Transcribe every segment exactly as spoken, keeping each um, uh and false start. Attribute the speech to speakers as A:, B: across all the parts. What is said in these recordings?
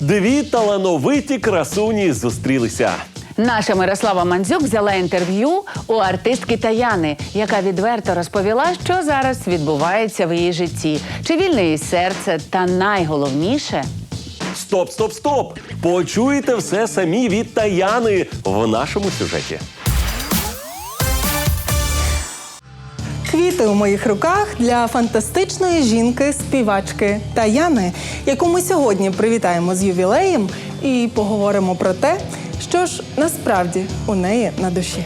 A: Дві талановиті красуні зустрілися.
B: Наша Мирослава Мандзюк взяла інтерв'ю у артистки Таяни, яка відверто розповіла, що зараз відбувається в її житті. Чи вільне її серце, та найголовніше...
A: Стоп, стоп, стоп! Почуєте все самі від Таяни в нашому сюжеті.
C: Квіти у моїх руках для фантастичної жінки-співачки Таяни, яку ми сьогодні привітаємо з ювілеєм і поговоримо про те, що ж насправді у неї на душі.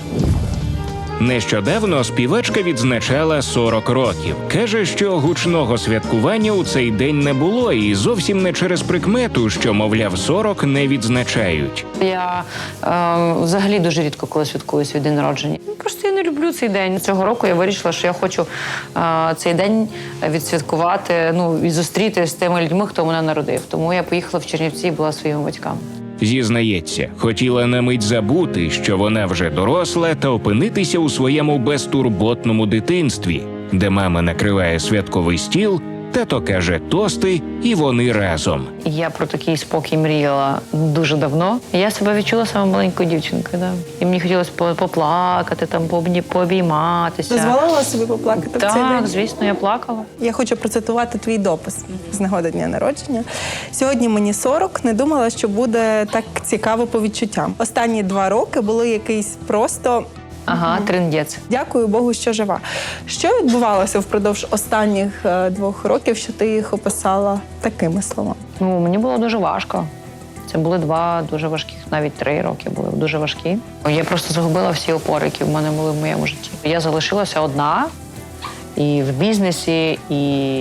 D: Нещодавно співачка відзначала сорок років. Каже, що гучного святкування у цей день не було, і зовсім не через прикмету, що, мовляв, сорок не відзначають.
E: Я е, взагалі дуже рідко коли святкую свій день народження. Просто я не люблю цей день. Цього року я вирішила, що я хочу е, цей день відсвяткувати, ну, і зустріти з тими людьми, хто мене народив. Тому я поїхала в Чернівці і була своїми батьками.
D: Зізнається, хотіла на мить забути, що вона вже доросла, та опинитися у своєму безтурботному дитинстві, де мама накриває святковий стіл, тато каже тости, і вони разом.
E: Я про такий спокій мріяла дуже давно. Я себе відчула саме маленькою дівчинкою. Да. І мені хотілося поплакати, там, пообійматися.
C: Дозволила собі поплакати в цей день?
E: Так, звісно, я плакала.
C: Я хочу процитувати твій допис з нагоди дня народження. Сьогодні мені сорок, не думала, що буде так цікаво по відчуттям. Останні два роки були якийсь просто...
E: Ага, трындець.
C: Дякую Богу, що жива. Що відбувалося впродовж останніх е, двох років, що ти їх описала такими словами?
E: Ну, мені було дуже важко. Це були два дуже важких, навіть три роки були дуже важкі. Я просто загубила всі опори, які в мене були в моєму житті. Я залишилася одна і в бізнесі, і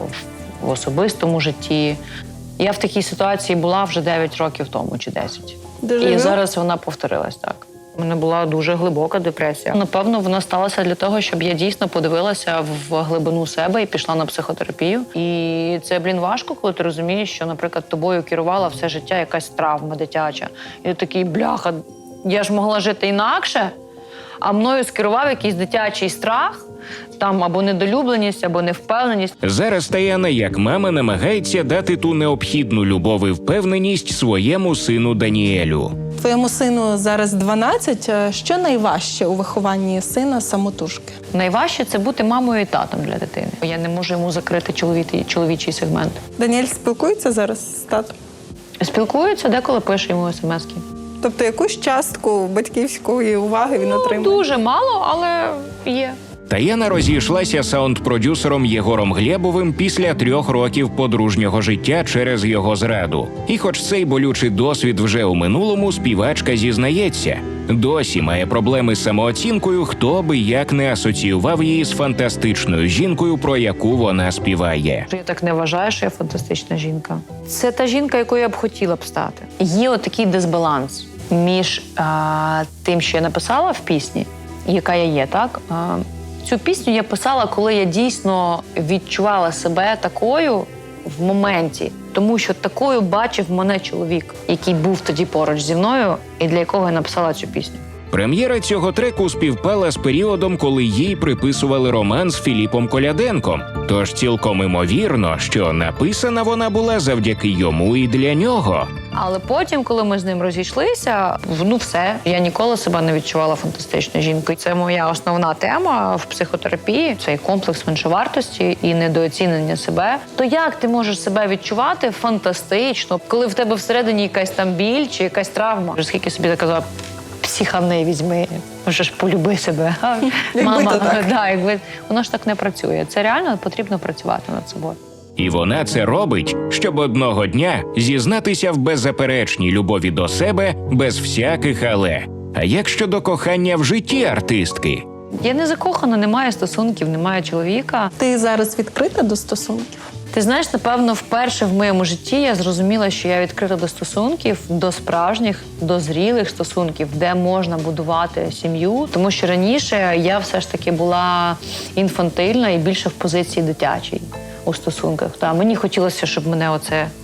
E: в особистому житті. Я в такій ситуації була вже дев'ять років тому, чи десять.
C: Дуже
E: і
C: ну?
E: зараз вона повторилась так. У мене була дуже глибока депресія. Напевно, вона сталася для того, щоб я дійсно подивилася в глибину себе і пішла на психотерапію. І це, блін, важко, коли ти розумієш, що, наприклад, тобою керувала все життя якась травма дитяча. І ти такий, бляха, я ж могла жити інакше, а мною скерував якийсь дитячий страх, там або недолюбленість, або невпевненість.
D: Зараз Таяна, як мама, намагається дати ту необхідну любов і впевненість своєму сину Даніелю.
C: Твоєму сину зараз дванадцять. Що найважче у вихованні сина самотужки?
E: Найважче – це бути мамою і татом для дитини. Я не можу йому закрити чоловічий, чоловічий сегмент.
C: Даніель спілкується зараз з татом?
E: Спілкуються, деколи пише йому смски.
C: Тобто якусь частку батьківської уваги він
E: Ну,
C: отримує?
E: дуже мало, але є.
D: Таяна розійшлася саунд-продюсером Єгором Глєбовим після трьох років подружнього життя через його зраду. І хоч цей болючий досвід вже у минулому, співачка зізнається, досі має проблеми з самооцінкою, хто би як не асоціював її з фантастичною жінкою, про яку вона співає.
E: Я так не вважаю, що я фантастична жінка. Це та жінка, якою я б хотіла б стати. Є отакий дисбаланс між а, тим, що я написала в пісні, яка я є, так? А, цю пісню я писала, коли я дійсно відчувала себе такою в моменті. Тому що такою бачив мене чоловік, який був тоді поруч зі мною і для якого я написала цю пісню.
D: Прем'єра цього треку співпала з періодом, коли їй приписували роман з Філіпом Коляденком. Тож цілком імовірно, що написана вона була завдяки йому і для нього.
E: Але потім, коли ми з ним розійшлися, ну все, я ніколи себе не відчувала фантастичною жінкою. Це моя основна тема в психотерапії. Цей комплекс меншовартості і недооцінення себе. То як ти можеш себе відчувати фантастично, коли в тебе всередині якась там біль чи якась травма? Скільки собі казала, психавни візьми, вже ж полюби себе. Мама,
C: так.
E: Да, якби воно ж так не працює. Це реально потрібно працювати над собою.
D: І вона це робить, щоб одного дня зізнатися в беззаперечній любові до себе без всяких «але». А як щодо кохання в житті артистки?
E: Я не закохана, немає стосунків, немає чоловіка.
C: Ти зараз відкрита до стосунків?
E: Ти знаєш, напевно, вперше в моєму житті я зрозуміла, що я відкрита до стосунків, до справжніх, до зрілих стосунків, де можна будувати сім'ю. Тому що раніше я все ж таки була інфантильна і більше в позиції дитячій у стосунках. Та мені хотілося, щоб мене оце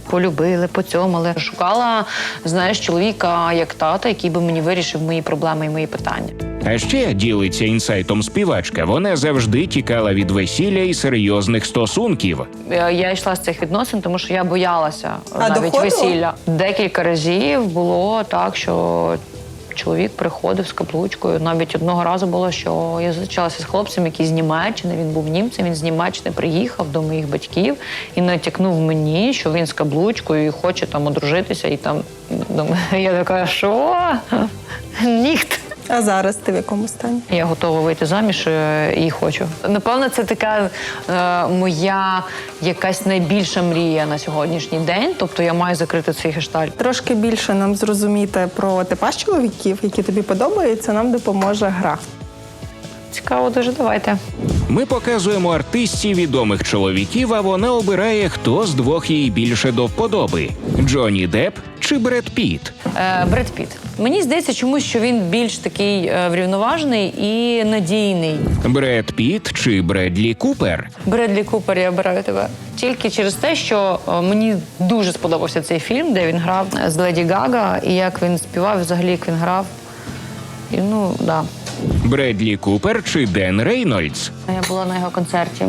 E: полюбили, поцьомали. Шукала, знаєш, чоловіка як тата, який би мені вирішив мої проблеми і мої питання.
D: А ще ділиться інсайтом співачка. Вона завжди тікала від весілля і серйозних стосунків.
E: Я я йшла з цих відносин, тому що я боялася
C: А
E: навіть
C: доходило?
E: весілля. Декілька разів було так, що чоловік приходив з каблучкою. Навіть одного разу було, що я зустрічалася з хлопцем, який з Німеччини, він був німцем, він з Німеччини приїхав до моїх батьків і натякнув мені, що він з каблучкою і хоче там одружитися. І там думаю, я така, що? Ніхто.
C: А зараз ти в якому стані?
E: Я готова вийти заміж е, і хочу. Напевно, це така е, моя якась найбільша мрія на сьогоднішній день. Тобто я маю закрити цей гештальт.
C: Трошки більше нам зрозуміти про типаж чоловіків, які тобі подобаються, нам допоможе гра.
E: Цікаво дуже, давайте.
D: Ми показуємо артистці відомих чоловіків, а вона обирає, хто з двох їй більше до вподоби – Джонні Депп чи Бред Піт.
E: Е, Бред Піт. Мені здається чомусь, що він більш такий е, врівноважений і надійний.
D: Бред Піт чи Бредлі Купер.
E: Бредлі Купер, я обираю тебе. Тільки через те, що е, мені дуже сподобався цей фільм, де він грав з Леді Гага, і як він співав, взагалі, як він грав. І, ну, да.
D: Бредлі Купер чи Ден Рейнольдс.
E: Я була на його концерті.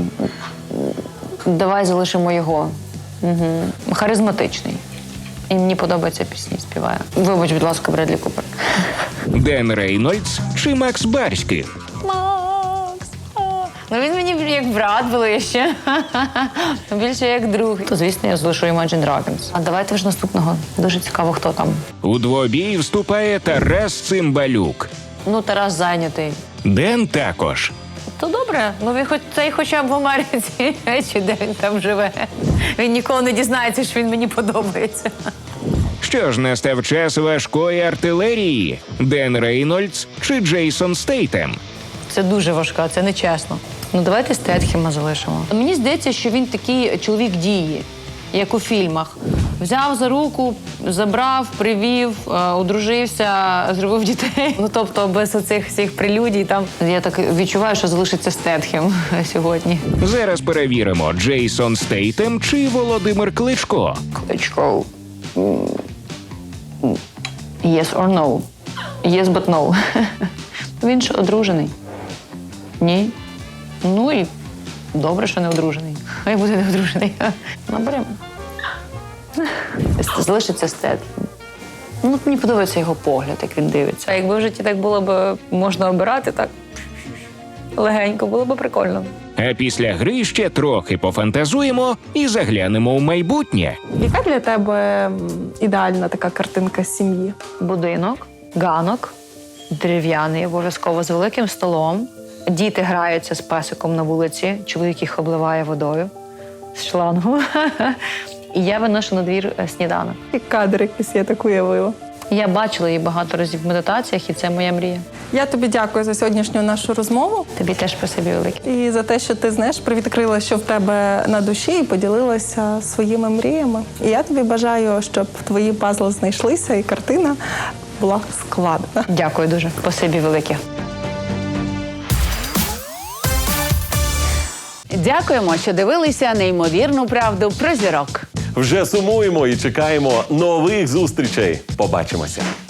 E: Давай залишимо його. Угу. Харизматичний. І мені подобаються пісні, співає. Вибач, будь ласка, Бредлі Купер.
D: Ден Рейнольдс чи Макс Барський.
E: Макс! Ну він мені як брат ближче. Більше як друг. То, звісно, я залишу Imagine Dragons. А давайте ж наступного. Дуже цікаво, хто там.
D: У двобій вступає Тарас Цимбалюк.
E: Ну, Тарас зайнятий.
D: Ден також.
E: То добре, ну він хоч цей хоча б в Америці, чи де він там живе. Він ніколи не дізнається, що він мені подобається.
D: Що ж, настав час важкої артилерії. Ден Рейнольдс чи Джейсон Стейтем.
E: Це дуже важко, це нечесно. Ну давайте Стетхема залишимо. Мені здається, що він такий чоловік дії, як у фільмах. Взяв за руку, забрав, привів, е, одружився, зробив дітей. Ну тобто без оцих всіх прелюдій там. Я так відчуваю, що залишиться Стетхем сьогодні.
D: Зараз перевіримо, Джейсон Стейтем чи Володимир Кличко.
E: Кличко. Yes or no? Yes, but no. Він ж одружений. Ні. Ну і добре, що не одружений. Хай буде не одружений. Наберемо. Залишиться Стет. Ну, мені подобається його погляд, як він дивиться. А якби в житті так було б можна обирати, так легенько, було б прикольно.
D: А після гри ще трохи пофантазуємо і заглянемо в майбутнє.
C: Яка для тебе м, ідеальна така картинка сім'ї?
E: Будинок, ганок, дерев'яний, обов'язково з великим столом. Діти граються з песиком на вулиці, чоловік їх обливає водою з шлангу. І я виношу на двір сніданок.
C: І кадр якийсь я так уявила.
E: Я бачила її багато разів в медитаціях, і це моя мрія.
C: Я тобі дякую за сьогоднішню нашу розмову
E: Тобі теж спасибі велике.
C: і за те, що ти, знаєш, привідкрила, що в тебе на душі, і поділилася своїми мріями. І я тобі бажаю, щоб твої пазли знайшлися і картина була складена.
E: Дякую дуже. Спасибі велике.
B: Дякуємо, що дивилися неймовірну правду про зірок.
A: Вже сумуємо і чекаємо нових зустрічей. Побачимося.